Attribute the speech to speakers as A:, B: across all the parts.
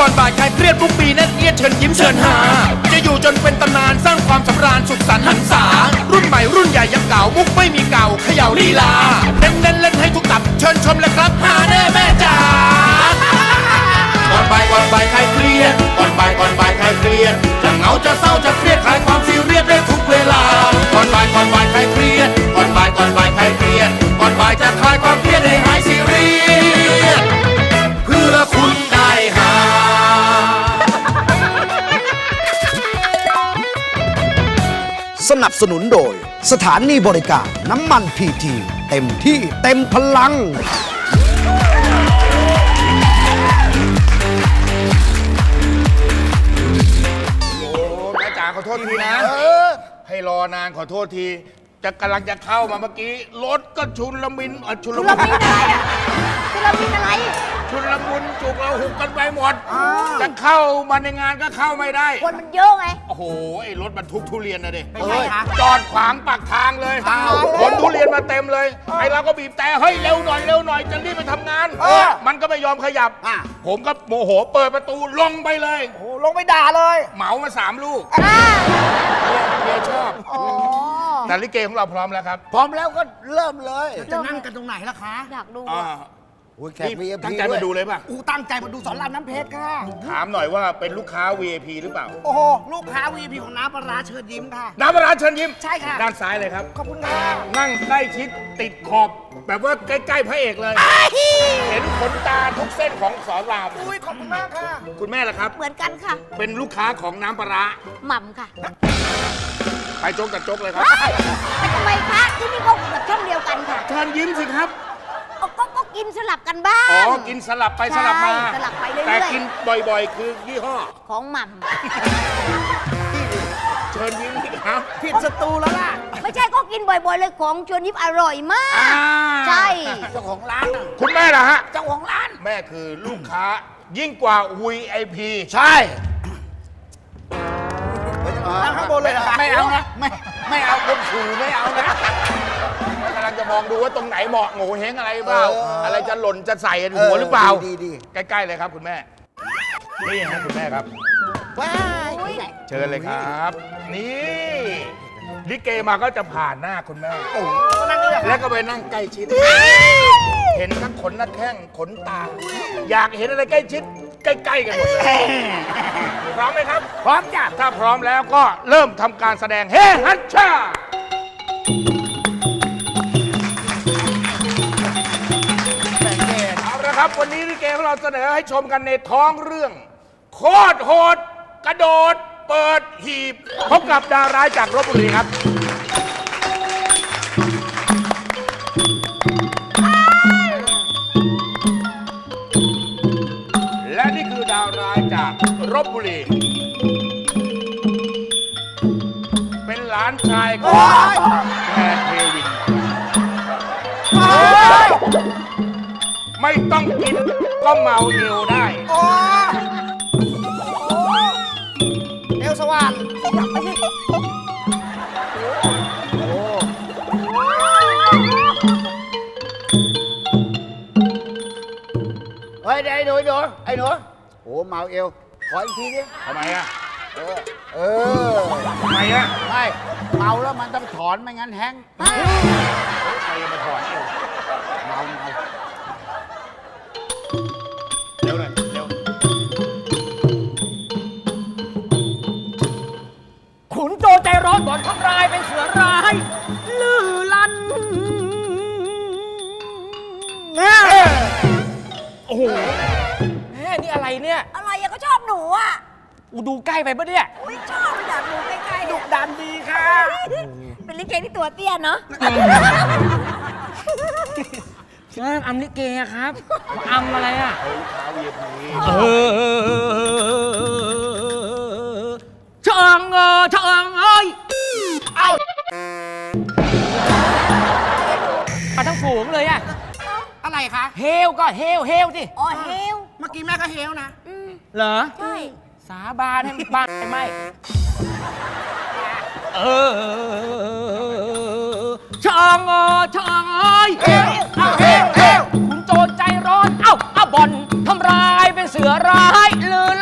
A: ก่อนบ่ายคลายเครียดทุกปีแน่นเอียดเชิญยิ้มเชิญหาจะอยู่จนเป็นตำนานสร้างความสำราญสุขสันต์หันษารุ่นใหม่รุ่นใหญ่ยังเก่ามุกไม่มีเก่าเขย่าลีลาเน้นเล่นให้ทุกตับเชิญชมเลยครับหาแน่แม่จ๋าก่อนบ่ายคลายเครียดก่อนบ่ายคลายเครียดจะเหงาจะเศร้าจะเครียดคลายความซีเรียสได้ทุกเวลาก่อนบ่ายคลายเครียดก่อนบ่ายคลายเครียดก่อนบ่ายจะคลายความเครียดให้หายซีเรียสเพื่อคุณได้หา
B: สนับสนุนโดยสถานีบริการน้ำมันพีทีเต็มที่เต็มพลัง
C: แม่จ๋าขอโทษทีนะให้รอนานขอโทษทีจะกำลังจะเข้ามาเมื่อกี้รถก็ชุนละมินชุนละมุนอะไรอ่ะชุนละมินอะไรชุนละมุนจุกเราหุกกันไปหมดจะเข้ามาในงานก็เข้าไม่ได้
D: คนมันเยอะไง
C: โอ้โหไอ้รถบรรทุกทุเรียนนะดิจอดขวางปากทางเลยขนทุเรียนมาเต็มเลยไอ้เราก็บีบแต่เฮ้ยเร็วหน่อยจะรีบไปทำงานมันก็ไม่ยอมขยับผมก็โมโหเปิดประตูลงไปเลย
B: โอ้ลงไปด่าเลย
C: เหมามา3 ลูกเมียชอบแต่ลิเกของเราพร้อมแล้วครับ
B: พร้อมแล้วก็เริ่มเลยจะนั่งกันตรงไหนล่ะคะ
D: อยากดู
B: แขก VIP
C: ตั้งใจมาดูเลยป่ะ
B: ตั้งใจมาดูสอนรามน้ำเพชรค่ะ
C: ถามหน่อยว่าเป็นลูกค้า VIP หรือเปล่า
B: โอ้โหลูกค้า VIP ของน้ำปลาร้าเชิญยิ้มค่ะ
C: น้ำปลาร้าเชิญยิ้ม
B: ใช่ค่ะ
C: ด้านซ้ายเลยครับ
B: ขอบคุณค่ะ
C: นั่งใกล้ชิดติดขอบแบบว่าใกล้ๆพระเอกเลยเห็นขนตาทุกเส้นของสอนราม
B: ขอบคุณมากค่ะ
C: คุณแม่ล่ะครับ
D: เหมือนกันค่ะ
C: เป็นลูกค้าของน้ำปลาร้า
D: หม่ำค่ะ
C: ไปโจ๊กกับโจ๊กเลยครับ
D: ทำไมคะที่นี่ก็แบบช่องเดียวกันค่ะ
C: เชิญยิ้มสิครับ
D: ก็กินสลับกันบ้าง
C: กินสลับไปสลับมา
D: สลับไปเรื่อยๆ
C: แต่กินบ่อยๆคือยี่ห้อ
D: ของหม่
C: ำเชิญยิ้มสิครับ
B: ผิดศัตรูแล้วล่ะ
D: ไม่ใช่ก็กินบ่อยๆเลยของเชิญยิ้มอร่อยมากใช่
B: เจ้าของร้าน
C: คุณแม่ล่ะฮะ
B: เจ้าของร้าน
C: แม่คือลูกค้ายิ่งกว่า VIP
B: ใช่นั่งข้างบนเลย
C: ไม่เอานะไม่เอาบนขู่ไม่เอานะกำลังจะมองดูว่าตรงไหนเหมาะโง่เฮงอะไรเปล่าอะไรจะหล่นจะใส่หัวหรือเปล่า
B: ดี
C: ใกล้ๆเลยครับคุณแม่นี่ฮะคุณแม่ครับ
B: ว้าย
C: เชิญเลยครับนี่ลิเกมาก็จะผ่านหน้าคุณแม่แล้วก็ไปนั่งใกล้ชิดเห็นทั้งขนหน้าแข้งขนตาอยากเห็นอะไรใกล้ชิดใกล้ๆกันหมดเลยพร้อมไหมครับ
B: พร้อมจ้ะ
C: ถ้าพร้อมแล้วก็เริ่มทำการแสดงเฮ้ฮัชชาเอาละครับวันนี้ลิเกของเราเสนอให้ชมกันในท้องเรื่องโคตรโหดกระโดดเปิดหีบพบกับดาวร้ายจากลพบุรีครับและนี่คือดาวร้ายจากลพบุรีเป็นหลานชายของแพรเทวินไม่ต้องกินก็เมาเอวได้
B: เอวสว่างเฮ้ยไอ้หนูโอ้เมาเอวขออีกทีดิ
C: ทำไมอ่ะ
B: ทำไมอ่ะไม่เมาแล้วมันต้องถอนไม่งั้นแห้ง
C: ใครจะมาถอนเอว
B: เมา
C: เร็วเลยเร็ว
E: ขุนโจใจร้อนบ่อนทำลายเป็นเสือร้ายลือลั่นโอ้โหแม่นี่อะไรเนี่ย
D: อะไรอะก็ชอบหนูอะ
E: ดูใกล้ไปปะเนี่ย
D: อุ้ยชอบอยากดูใกล้ๆ
B: ดุดันดีค่ะ
D: เป็นลิเกที่ตัวเตี้ยเนาะ
E: อำลิเกครับอำอะไรอ่ะ
C: ลูกค้า VIP
E: เชิงเอ้ยเอามาทั้งฝูงเลยอ่ะ
B: อะไรคะ
E: เฮลก็เฮลสิ
D: อ๋อเฮล
B: เมื่อกี้แม่ก็เฮลนะ
E: เหรอ
D: ใช่
E: สาบานให้บ้านไม่ช่างเอ้ยคุณโจรใจร้อนเอาบ่อนทำร้ายเป็นเสือร้ายลือ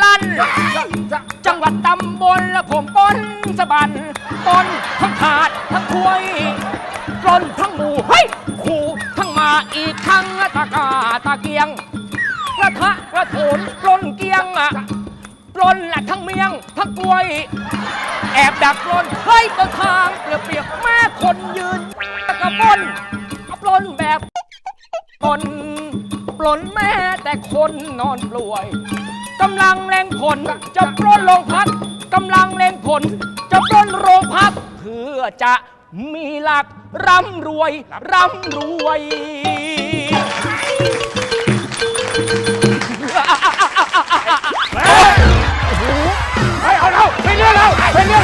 E: เกียงกระทะกระโถนปล้นเกียงปล้นแหละทั้งเมียงทั้งกล้วย แอบดักปล้นเฮ้ยต้นทางเปรียบแม่คนยืนกระปล้นแบบปล้นแม่แต่คนนอนป่วยกำลังเล็งผลจะปล้นโรงพักกำลังเล็งผลจะปล้นโรงพักเพื่อจะมีหลักร่ำรวย
C: เอาเราเป็นเรื่องเรา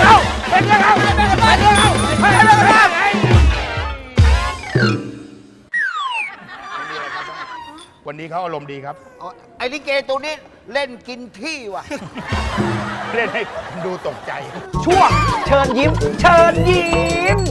C: วันนี้เขาอารมณ์ดีครับ
F: ไอ้ลิเกตัวนี้เล่นกินที่ว่ะ
C: เล่นให้ดูตกใจ
E: ช่วงเชิญยิ้ม เชิญยิ้ม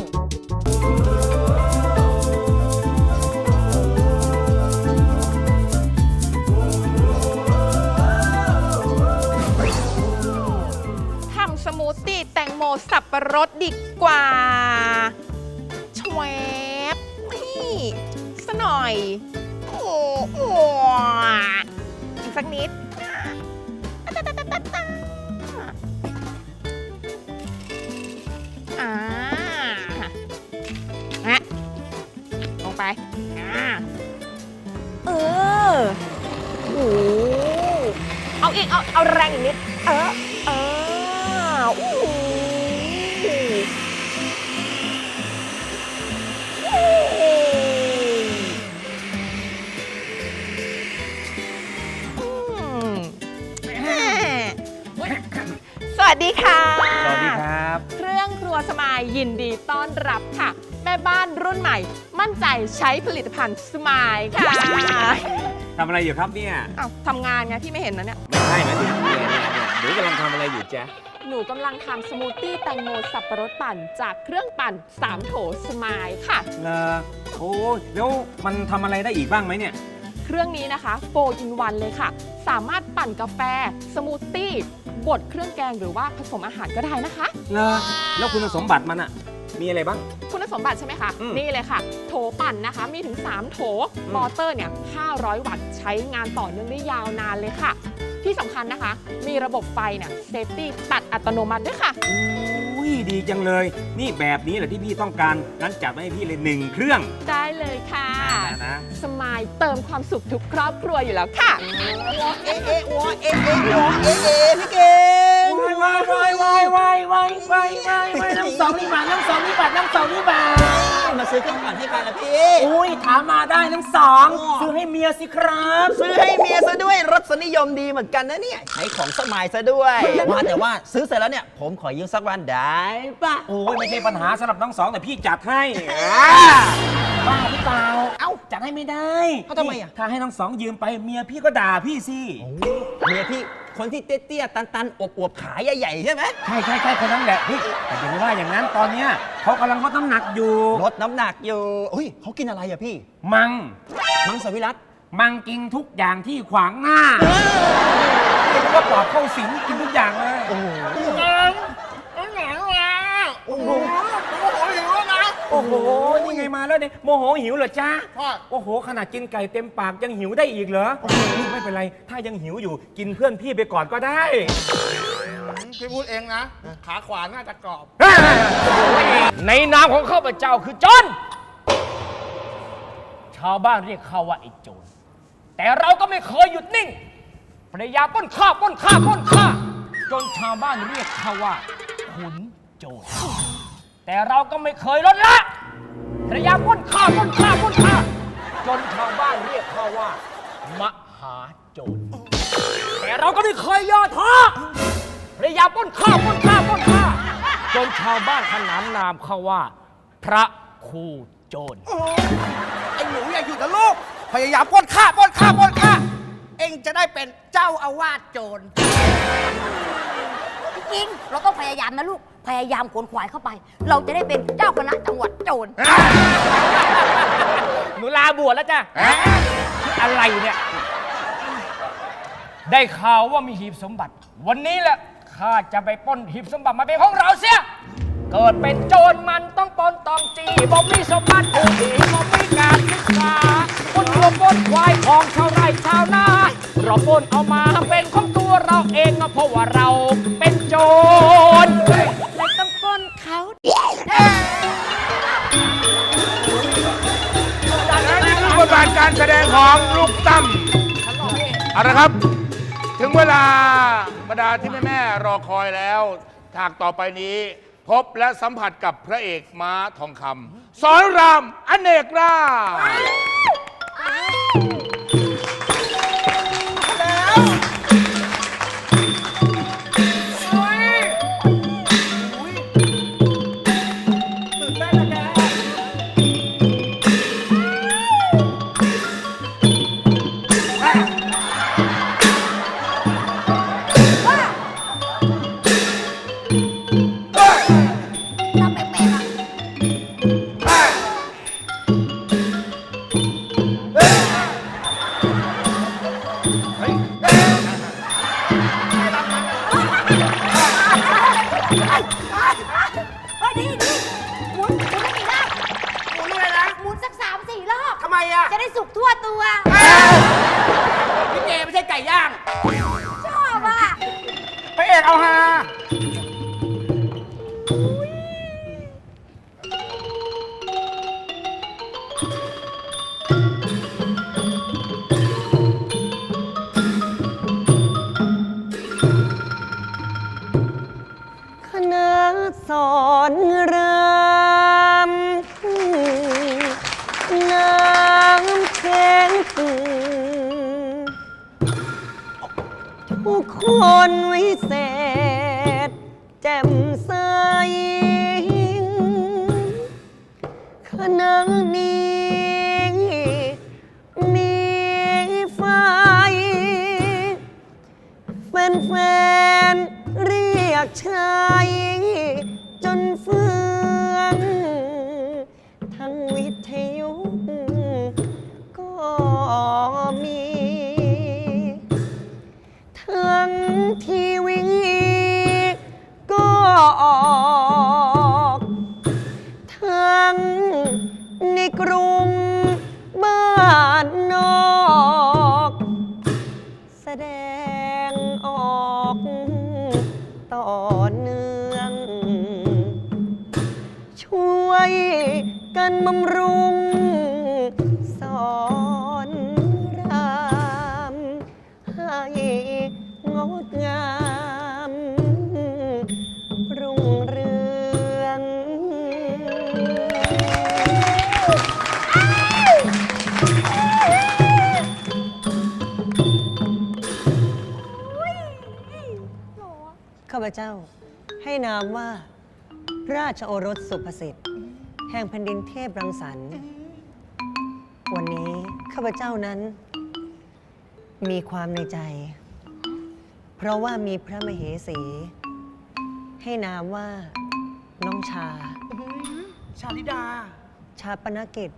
G: ทำสมูทตี้แตงโมสับปะรดดีกว่าชวบนี่สหน่อย โอ้โหอีกสักนิดฮะลงไปเออโอ้เอาอีก เอาแรงอีกนิดอู้สวัสดีค่ะ
E: สวัสดีครับ
G: เครื่องครัวสมายยินดีต้อนรับค่ะ แม่บ้านรุ่นใหม่ มั่นใจใช้ผลิตภัณฑ์สมายค่ะ
H: ทำอะไรอยู่ครับเนี่ย
G: อ้าวทำงานไงพี่ไม่เห็นนะเนี่ย
H: ไม่ใช่นะถึงเดี๋ยวกำลังทำอะไรอยู่จ๊ะ
G: หนูกำลังทำสมูทตี้แตงโมสับปะรดปั่นจากเครื่องปั่น3 โถสมายค่ะ
H: โอ้แล้วมันทำอะไรได้อีกบ้างไหมเนี่ย
G: เครื่องนี้นะคะโฟอินวันเลยค่ะ สามารถปั่นกาแฟ สมูทตี้ บดเครื่องแกงหรือว่าผสมอาหารก็ได้นะคะ
H: แล้วคุณสมบัติมันอะมีอะไรบ้าง
G: คุณสมบัติใช่ไหมคะ นี่เลยค่ะ โถปั่นนะคะ มีถึง 3 โถ มอเตอร์เนี่ย 500 วัตต์ ใช้งานต่อเนื่องได้ยาวนานเลยค่ะ ที่สำคัญนะคะ มีระบบไฟเนี่ยเซฟตี้ตัดอัตโนมัติด้วยค่ะ
H: อุ้ยดีจังเลย นี่แบบนี้แหละที่พี่ต้องการ งั้นจัดมาให้พี่เลย1 เครื่อง
G: ได้เลยค่ะ
H: นะ
G: สมายเติมความสุขทุกครอบครัวอยู่แล้วค่ะ
F: พี่เกง
E: น้ำสองนี่บาทน้ำสองนี่บาทน้ำสองนี่บาท
F: มาซื้อเครื่องปั่นให้กันละพี่
E: อุ้ยถามมาได้น้ำสองซื้อให้เมียสิครับ
F: ซื้อให้เมียซะด้วยรสนิยมดีเหมือนกันนะเนี่ยใช้ของสมัยซะด้วยว่าแต่ว่าซื้อเสร็จแล้วเนี่ยผมขอยืมสักวันได้ปะ
H: โอ้ยไม่ใช่ปัญหาสำหรับน้องสองแต่พี่จัดให้
E: บ้าหรือเปล่า เอ้าจัดให้ไม่ได้
F: เขาทำไมอ่ะ
H: ถ้าให้น้องสองยืมไปเมียพี่ก็ด่าพี่สิ
F: เมียพี่คนที่เตี้ยๆตันๆอวบๆขาใหญ่ๆใช่ไหม
H: ใช่คนนั้นแหละพี่แต่อย่าไปว่าอย่างนั้นตอนเนี้ยเขากำลังลดน้ำหนักอยู่
F: ลดน้ำหนักอยู่อุ้ยเขากินอะไรอะพี่
H: มัง
F: มังสวิรัต
H: มังกินทุกอย่างที่ขวางหน้าเรียกว่าปอบเข้าสิงกินทุกอย่างเลย
F: โอ้โห
H: โอ้โห นี่ไงมาแล้วเนี่ยโมโหหิวเหรอจ๊ะโอ้โห ขนาดกินไก่เต็มปากยังหิวได้อีกเหรอไม่เป็นไร ถ้ายังหิวอยู่กินเพื่อนพี่ไปก่อนก็ได้
C: พี่พูดเองนะ ขาขวาน่าจะกรอบ
E: ในนามของข้าพเจ้าคือจนชาวบ้านเรียกเขาว่าไอ้โจรแต่เราก็ไม่เคยหยุดนิ่งพยายามปล้นข้าจนชาวบ้านเรียกเขาว่าขุนโจรแต่เราก็ไม่เคยลดละพยายามปล้นข้าจนชาวบ้านเรียกเขาว่ามหาโจรแต่เราก็ไม่เคยย่อท้อพยายามปล้นข้าจนชาวบ้านขนานนามเขาว่า พระครูโจร
F: ไอ้หนูอย่าหยุดนะลูกพยายามปล้นข้าเองจะได้เป็นเจ้าอาวาสโจร
D: จริงๆเราต้องพยายามนะลูก พยายามขนขวายเข้าไป เราจะได้เป็นเจ้าคณะจังหวัดโจร
E: หนูลาบวชแล้วจ้ะอะไรเนี่ย ได้ข่าวว่ามีหีบสมบัติ วันนี้แหละข้าจะไปปล้นหีบสมบัติมาเป็นของเราเสีย เกิดเป็นโจรมันต้องปล้นต้องจีบ่มีสมบัติผู้ดีบ่มีการศึกษาคนรวมปล้นควายของชาวไร่ชาวนาเราปล้นเอามาเป็นของตัวเราเองเพราะว่าเราเป็นโจร
D: เลยต้องปล้นเขา
C: และนี่คือบทบาทการแสดงของลูกตั้มเอาละครับ ถึงเวลาบรรดาที่แม่ๆรอคอยแล้วฉากต่อไปนี้ พบและสัมผัสกับพระเอกม้าทองคำสอนรามอเนกราช
D: ทำแปลกๆอะเฮ้ยดีหมุนไม่มีรอบหมุนอะไรนะ หมุนสัก3-4 รอบ
F: ทำไมอ่ะ
D: จะได้สุกทั่วตัว
F: พี่เจไม่ใช่ไก่ย่าง
D: ชอบอ่ะ
F: พระเอกเอาฮา
I: คณะสอนรามน้ำแข็งผู้คนวิเศษ แจ่มใสคณะนี้มีไฟ แฟนๆเรียกชายจนเฟืองทั้งวิทยุก็มี ทั้งทีวีก็ออกทั้งในกรุงบ้านนอกแสดงออกต่อเนื่อง ช่วยกันบำรุงสอนรามให้งดงามรุ่งเรือง ข้าพเจ้าให้นามว่า ราชโอรสสุภสิทธิ์ แห่งแผ่นดินเทพรังสรรค์ วันนี้ข้าพเจ้านั้น มีความในใจ เพราะว่ามีพระมเหสี ให้นามว่าน้องชา
F: ชาลิดา
I: ชาปนกิจ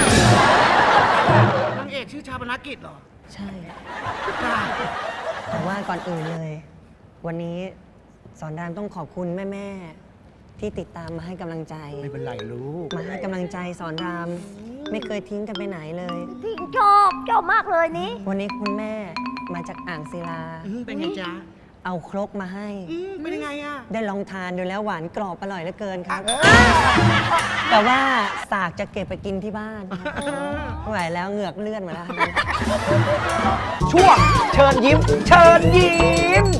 F: นางเอกชื่อชาปนกิจเหรอ
I: ใช่ แต่ว่าก่อนอื่นเลย วันนี้สอนรามต้องขอบคุณแม่ ๆ ที่ติดตามมาให้กำลังใจ
F: ไม่เป็นไรลูก
I: มาให้กำลังใจสอนราม ไม่เคยทิ้งกันไปไหนเลย
D: ที่ชอบมากเลยนี้
I: วันนี้คุณแม่มาจากอ่างศิลา
F: เป็นไงจ๊ะ
I: เอาครกมาให้
F: เป็นยังไงอ่ะ
I: ได้ลองทานดูแล้วหวานกรอบอร่อยเหลือเกินครับ แต่ว่าสากจะเก็บไปกินที่บ้านครับไม่ไหวแล้วเหงือกเลื่อนมาแล้วครับ
F: ช่วงเชิญยิ้ม เชิญยิ้ม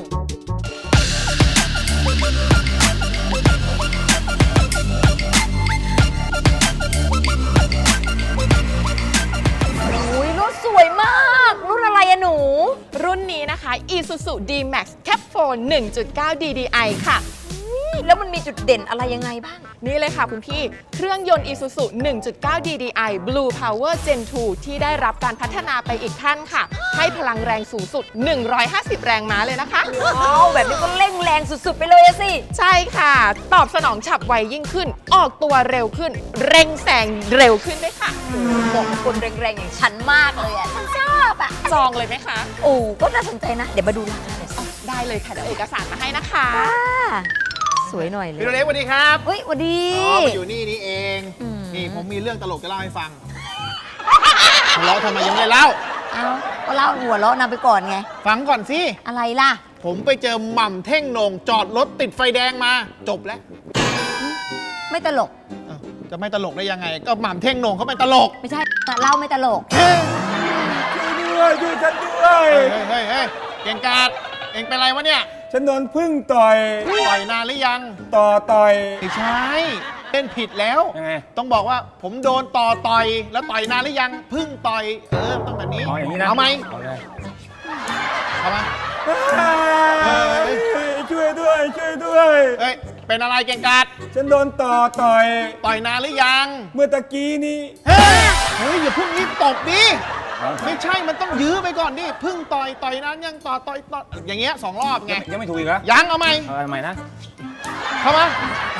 D: อุ้ยรถสวยมาก รุ่นอะไรอะหนู
G: รุ่นนี้นะคะ Isuzu D-Max Cap 4 1.9 DDI ค่ะ
D: แล้วมันมีจุดเด่นอะไรยังไงบ้าง
G: นี่เลยค่ะคุณพี่ เครื่องยนต์ Isuzu 1.9 DDI Blue Power Gen 2 ที่ได้รับการพัฒนาไปอีกขั้นค่ะ ให้พลังแรงสูงสุด 150 แรงม้าเลยนะคะ
D: ว้าวแบบนี้ก็เร่งแรงสุดๆไปเลยอะสิ
G: ใช่ค่ะ ตอบสนองฉับไวยิ่งขึ้น ออกตัวเร็วขึ้น เร่งแซงเร็วขึ้นด้วยค่ะ
D: เหมาะกับคนแรงๆอย่างฉันมากเลยอะฉันชอบอะ
G: จองเลยไหมคะ
D: โอ้ก็น่าสนใจนะ เดี๋ยวมาดูราคาหน่อยสิ
G: ได้เลยค่ะ เดี๋ยวเอกสารมาให้นะคะ
D: สวยหน่อยเลย
J: พี่โรเล็กสวัสดีครับ
D: เฮ้ยสวัสดี
J: อ๋อมาอยู่นี่เอง
D: อืม
J: นี่ผมมีเรื่องตลกจะเล่าให้ฟัง
C: หัวเราะทำไมยังไม่เล่า
D: เอาก็เล่าหัวเราะนำไปก่อนไง
C: ฟังก่อนสิ
D: อะไรล่ะ
C: ผมไปเจอหม่ำเท่งโหน่งจอดรถติดไฟแดงมา จบแล้ว
D: ไม่ตลก
C: อ้าวจะไม่ตลกได้ยังไง ก็หม่ำเท่งโหน่งเขาเป็นตลก
D: ไม่ใช่เล่าไม่ตลก
H: ช่วยฉันด้วย
C: เฮ้ยเก่งกาดเองเป็นไรวะเนี่ย
H: ฉันโดนพึ่งต่อย
C: ต่อยนานหรือยัง
H: ต่อย
C: ไม่ใช่เล่นผิดแล้ว
H: ยังไง
C: ต้องบอกว่าผมโดนต่อยแล้วต่อยนานหรือยังพึ่งต่อยต้องแบบนี้
H: เอาอย่างนี้นะ
C: เอาไหม
H: เอาเลย
C: เอามา
H: ช่วยด้วยช่วยด้วย
C: เอ้ยเป็นอะไรเก่งกาด
H: ฉันโดนต่อย
C: ต่อยนานหรือยัง
H: เมื่อตะกี้นี้
C: เฮ้ยอย่าเพิ่งรีบตบดิไม่ใช่มันต้องยื้อไปก่อนดิพึ่งต่อยนานยังต่อยอย่างเงี้ย2 รอบไง
H: ยังไม่ถูกอีกเหรอ
C: ยังเอาไหม
H: เอาใหม่นะ
C: เข้ามา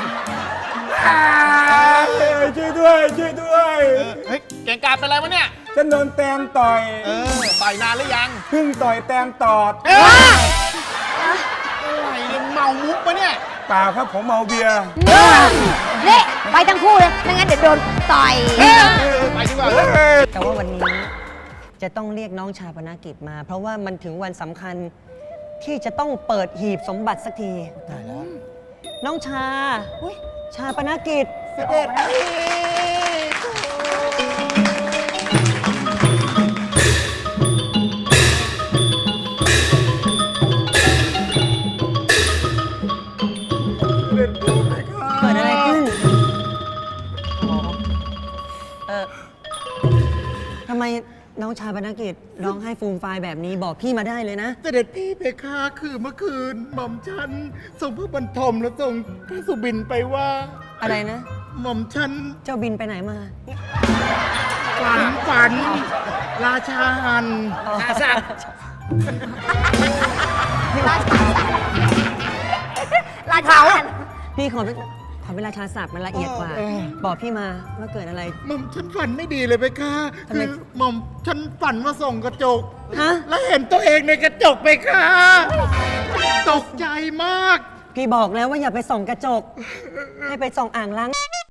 H: ช่วยด้วยช่วยด้วย
C: เฮ้ยเก่งกาดเป็นอะไรวะเนี่ย
H: ฉันโดนแตนต่อย
C: ต่อยนานหรือยัง
H: พึ่งต่อยแตนตอด
C: เอ้ยอะไรเนี่ยเมามุกปะเนี่ย
H: เปล่าครับผมเมาเบียร์
D: นี่ไปทั้งคู่เลย ไม่งั้นเดี๋ยวโดนต่อย
C: ไปดีกว่า
I: แต่ว่าวันนี้จะต้องเรียกน้องชาปนกิจมา เพราะว่ามันถึงวันสำคัญที่จะต้องเปิดหีบสมบัติสักทีน้องชาชาปนกิจเสด็จเกิดอะไรขึ้นทำไมน้องชาปนกิจร้องไห้ฟูมฟายแบบนี้บอกพี่มาได้เลยนะ
C: เสด็จพี่เพคะคือเมื่อคืนหม่อมฉันส่งพระบรรทมแล้วส่งพระสุบินไปว่า
I: อะไรนะ
C: หม่อมฉัน
I: เจ้าบินไปไหนมา
C: ฝันราชาหันราชา
D: ราชาวัน
I: พี่ขอเวลาชาศัพท์มันละเอียดกว่า บอกพี่มาว่าเกิดอะไร
C: หม่อมฉันฝันไม่ดีเลยเพคะ
I: ทำไม
C: คือหม่อมฉันฝันว่าส่องกระจก
I: ฮะ
C: แล้วเห็นตัวเองในกระจกเพคะตกใจมาก
I: พี่บอกแล้วว่าอย่าไปส่องกระจก ให้ไปส่องอ่างล้าง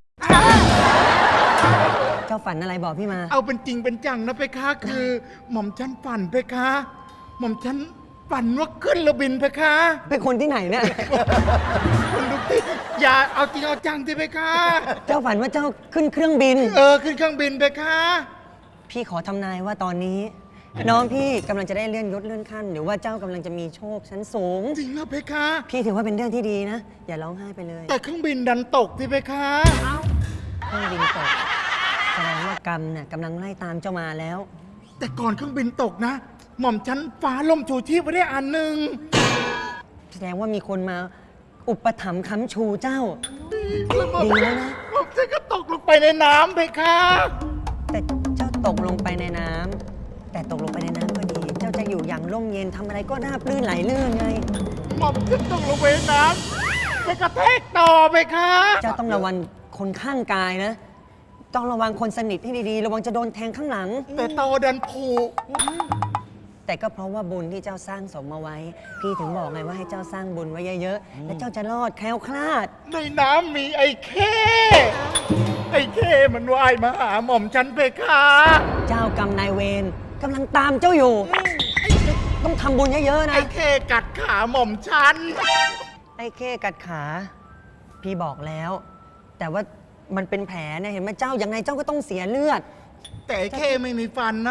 I: เจ้าฝันอะไรบอกพี่มา
C: เอาเป็นจริงเป็นจังนะเพคะคือ หม่อมฉันฝันเพคะ หม่อมฉันฝันว่าขึ้นเรือบินเพคะ
I: เป็นคนที่ไหนเนี่ย
C: คุณลูกติอย่าเอาจริงเอาจังสิเพคะ
I: เจ้าฝันว่าเจ้าขึ้นเครื่องบิน
C: ขึ้นเครื่องบินเพคะ
I: พี่ขอทำนายว่าตอนนี้ น้องพี่กำลังจะได้เลื่อนยศเลื่อนขั้น หรือว่าเจ้ากำลังจะมีโชคชั้นสูง
C: จริงนะเพคะ
I: พี่ถือว่าเป็นเรื่องที่ดีนะ อย่าร้องไห้ไปเลย
C: แต่เครื่องบินดันตกสิเพคะ
I: เครื่องบินตกแสดงว่ากรรมเนี่ยกำลังไล่ตามเจ้ามาแล้ว
C: แต่ก่อนเครื่องบินตกนะ หม่อมฉันฟ้าล่มชูชีพไว้ได้อันหนึ่ง
I: แสดงว่ามีคนมาอุปถัมภ์ค้ำชูเจ้า
C: แล้วหม่อม
I: ดีแล้วนะ
C: หม่อมฉันก็ตกลงไปในน้ำเพคะ
I: แต่เจ้าตกลงไปในน้ำแต่ตกลงไปในน้ำก็ดี เจ้าจะอยู่อย่างร่มเย็นทำอะไรก็ราบรื่นไหลลื่นไง
C: หม่อมฉันตกลงไปในน้ำไปกระแทกต่อเพคะ
I: เจ้าต้องระวังคนข้างกายนะ ต้องระวังคนสนิทให้ดีๆ ระวังจะโดนแทงข้างหลัง
C: แต่ตอดันผู
I: แต่ก็เพราะว่าบุญที่เจ้าสร้างสมมาไว้ พี่ถึงบอกไงว่าให้เจ้าสร้างบุญไว้เยอะๆ แล้วเจ้าจะรอดแคล้วคลาด
C: ในน้ำมีไอ้เข้ไอ้เข้มันว่ายมาหาหม่อมฉันเพคะ
I: เจ้ากรรมนายเวรกำลังตามเจ้าอยู่ ต้องทำบุญเยอะๆนะ
C: ไอ้เข้กัดขาหม่อมฉัน
I: ไอ้เข้กัดขา พี่บอกแล้ว แต่ว่ามันเป็นแผลเนี่ยเห็นไหมเจ้ายังไงเจ้าก็ต้องเสียเลือด
C: แต่ไอ้เข้ไม่มีฟันนะ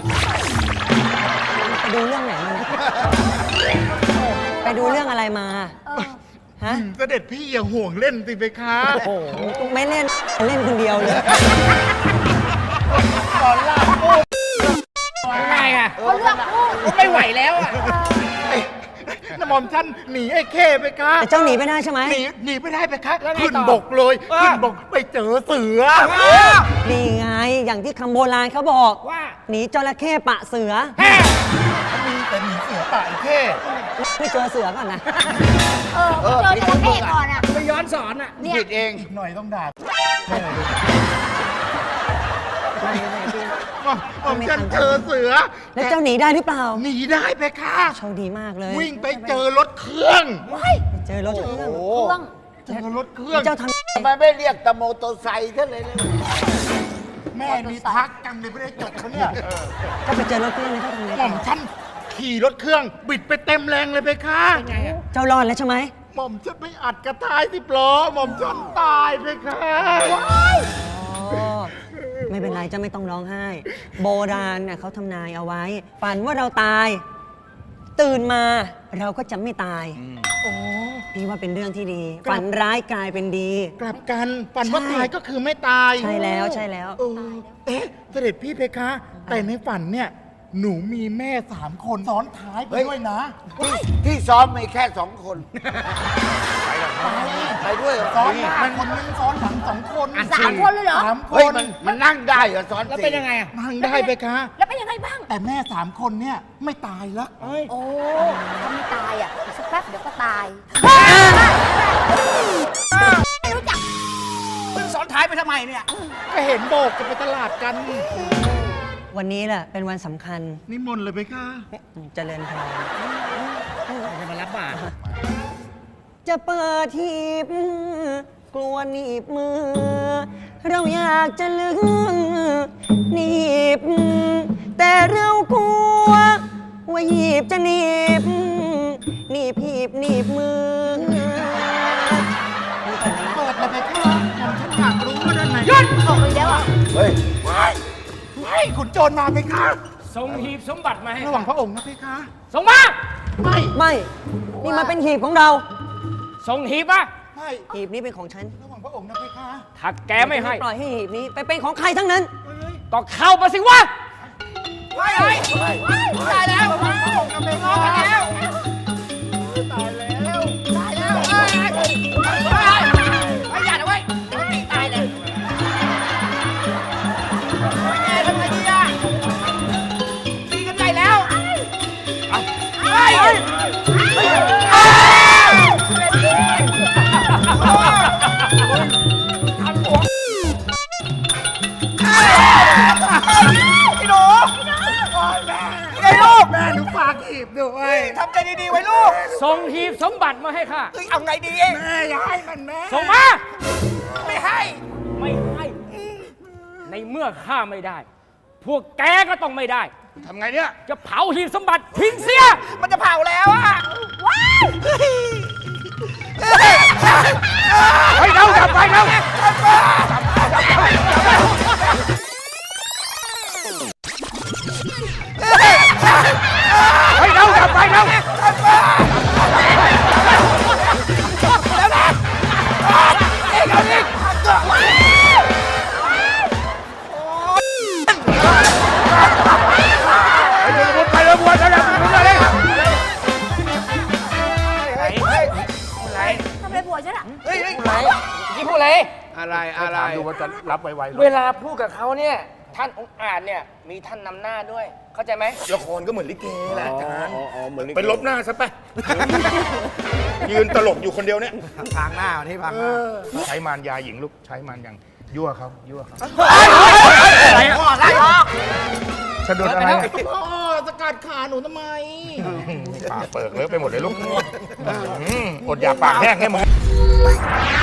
I: ไปดูเรื่องไหนมาเนี่ยไปดูเรื่องอะไรมา ฮะ
C: เสด็จพี่อย่าห่วงเล่นสิเพคะ
I: โอ้โหไม่เล่นเล่นคนเดียวเลย
E: ง่ายอ่ะ
D: เขาเลือกคู่
E: ไม่ไหวแล้วอ่ะ
C: น้ำหม่อมฉันหนีไอ้เข้เพคะ
I: แต่เจ้าหนีไม่ได้ใช่ไหม
C: หนีไม่ได้เพคะ
E: แล้วไงต่อ
C: ขึ้นบกเลยขึ้นบกไปเจอเสือ
I: นี่ไง อย่างที่คำโบราณเขาบอก
E: ว่า
I: หนีจระเข้ปะเสือ
C: มีแต่หนีเสือป่าไอ้เข้
I: ไม่เจอเสือก่อนนะ
D: เจอจระเข้ก่อนอ่ะ
E: ไปย้อนสอนอ่ะ
D: เนี่ย
C: ผิดเองหน่อยต้องด่าหม่อมฉันเจอเสือ
I: แล้วเจ้าหนีได้หรือเปล่า
C: หนีได้เพคะ
I: โชคดีมากเลย
C: วิ่งไปเจอรถเครื่อง
I: เจอรถเครื่อง
D: เครื่อง
C: เจอรถเครื่อง
I: เจ้าทำ
J: ทำไมไม่เรียกตะโมโตไซค์ท่านเลยนะ
C: หแม่มีพักจังเลยไม่ได้จดเขาเนี่ย
I: ก็ไปเจอรถเครื่องเลยเจ้าทำไง
C: หม่อมฉันขี่รถเครื่อง บิดไปเต็มแรงเลยเพคะ
I: เจ้ารอดแล้วใช่ไหม
C: หม่อมฉันไปอัดกระท้าย10 ล้อหม่อมฉันตายเพคะ
I: อ๋อ ไม่เป็นไรเจ้าไม่ต้องร้องไห้ โบราณน่ะเขาทำนายเอาไว้ ฝันว่าเราตาย ตื่นมาเราก็จะไม่ตาย
C: โอ้
I: พี่ว่าเป็นเรื่องที่ดี ฝันร้ายกลายเป็นดี
C: กลับกันฝันว่า
I: ใช่
C: ตายก็คือไม่ตาย
I: ใช่แล้วใช่แล้ว
C: เอ๊ะเสด็จพี่เพคะ แต่ในฝันเนี่ย หนูมีแม่3 คนซ้อนท้ายไปด้วยนะ
J: ที่ซ้อมมีแค่2 คน ไปด้วยเหรอ
C: ซ้อนหน้าคนนึงซ้อนหลัง2 คน
D: 3 คนเลยเหรอ
C: 3 ค
J: เฮ้ย
C: น
J: มันนั่งได้เหรอซ้อนแล้วเป็นยังไง
C: นั่งได้เพคะ
D: แล้วเป็นยังไงบ้าง
C: แต่แม่3 คนเนี่ยไม่ตายแล้ว
D: โอ้ถ้าไม่ตายอ่ะอีกสักแป๊บเดี๋ยวก็ตายไม่รู้จัก
J: ซ้อนท้ายไปทำไมเนี่ย
C: ก็เห็นโบกจะไปตลาดกัน
I: วันนี้แหละเป็นวันสำคัญ
C: นิมนต์เลยเพคะ
I: เจริญพรจะมารับบาตรจะเปิดทีบกลัวหนีบมือ เราอยากจะลึงหนีบ แต่เรากลัวว่าหยีบจะหนีบหนีบหีบหนีบมือ
C: เปิดเลยเพคะผมฉันอยากรู้ว่าด้านใน
D: หยุดออกเลยแล้วอ่ะ
J: เฮ้ย
C: ไม่ขุนโจรมาเพคะ
E: ส่งหีบสมบัติมาให้
C: ระหว่างพระองค์นะเพคะ
E: ส่งมา
C: ไม่
I: ไม่ นี่มันเป็นหีบของเรา
E: ส่งหีบมา
C: ไม่
I: หีบนี้เป็นของฉัน
C: ระหว่างพระองค์นะเพคะ
E: ถ้าแกไม่ให้
I: ปล่อยให้หีบนี้ไปเป็นของใครทั้งนั้น
E: ก็เข้ามาสิวะ
C: ตายแล้วพระองค์นะเพคะตายแล้วตายแล้วตายแล้วไม่อย่านะเว้ยตีตายเลยแกทำไงดีอ่ะตีกันใหญ่แล้วพี่หนูไอ้ลูกแม่หนูฝากหีบด้วยทำใจดีๆไว้ลูก
E: ส่งหีบสมบัติมาให้ข้า
C: เอาไงดีแม่อย่าให้มันแม่
E: ส่งมา
C: ไม่ให้
E: ไม่ให้ ในเมื่อข้าไม่ได้ พวกแกก็ต้องไม่ได้
C: ทำไงเนี่ย
E: จะเผาหีบสมบัติทิ้งเสีย
C: มันจะเผาแล้วอ่ะ
D: ว้าย
C: ไปเร็วจับไปเร็วไปเร็วจับไปเร็วไปเลยบัวไปเลยบัวเลย
D: ทำอะไรผัวฉันอ่ะ
E: กี่พูดอะไร
C: อะไรดูว่าจะรับไวๆ
E: เวลาพูดกับเขาเนี่ย ท่านองค์อาจเนี่ย มีท่านนำหน้าด้วย เข้าใจไหม
C: ละครก็เหมือนลิเกแหละอาจารย์ไปลบหน้าซะไป ยืนตลกอยู่คนเดียวเนี่ย
J: ทางหน้าที่พังหน้า
C: ใช้มารยาหญิงลูก ใช้มารยังยั่วเขายั่วเขา
E: อะไรอะ
C: สะดุดอะไรสกัดขาหนูทำไมปากเปิกเลอะไปหมดเลยลูกอดอยากปากแห้งให้มึง